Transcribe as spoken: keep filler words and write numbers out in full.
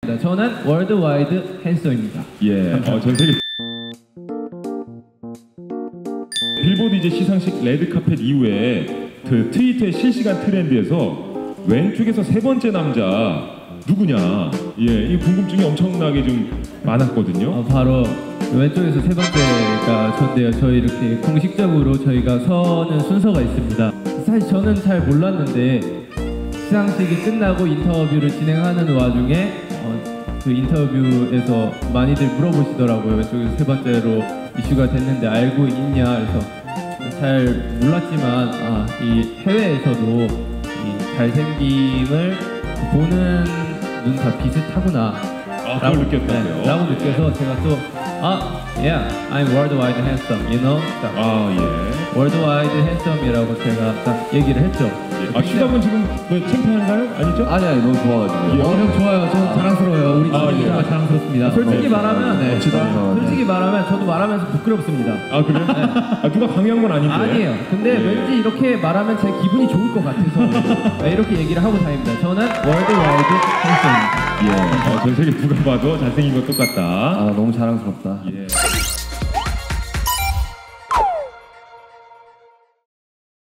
저는 월드와이드 핸섬입니다. 예, 어, 전 세계 빌보드 이제 시상식 레드카펫 이후에 그 트위터의 실시간 트렌드에서 왼쪽에서 세 번째 남자 누구냐, 예, 이 궁금증이 엄청나게 좀 많았거든요. 어, 바로 왼쪽에서 세 번째가 전데요. 저희 이렇게 공식적으로 저희가 서는 순서가 있습니다. 사실 저는 잘 몰랐는데 시상식이 끝나고 인터뷰를 진행하는 와중에 어, 그 인터뷰에서 많이들 물어보시더라고요. 왼쪽에서 세 번째로 이슈가 됐는데 알고 있냐, 그래서 잘 몰랐지만 아, 이 해외에서도 이 잘생김을 보는 눈 다 비슷하구나. 아, 그걸 느꼈다고요? 네, 라고 느껴서 제가 또 아, yeah, I'm worldwide handsome, you know? 딱 아, 예. worldwide handsome이라고 제가 딱 얘기를 했죠. 예. 아, 슈가분 지금 왜 창피한가요? 아니죠? 아니 아니 너무 좋아가지고. 예. 어, 형 좋아요. 저 자랑스러워요. 우리 아, 팀이 예. 정말 자랑스럽습니다. 솔직히 네. 말하면, 네. 멋지다. 솔직히 말하면 저도 말하면서 부끄럽습니다. 아, 그래요? 아, 누가 강요한 건 아닌데? 아니에요. 근데 예. 왠지 이렇게 말하면 제 기분이 좋을 것 같아서 네, 이렇게 얘기를 하고 다닙니다. 저는 월드와이드 핸섬입니다. 예, 어, 전 세계 누가 봐도 잘생긴 건 똑같다. 아 너무 자랑스럽다. 예.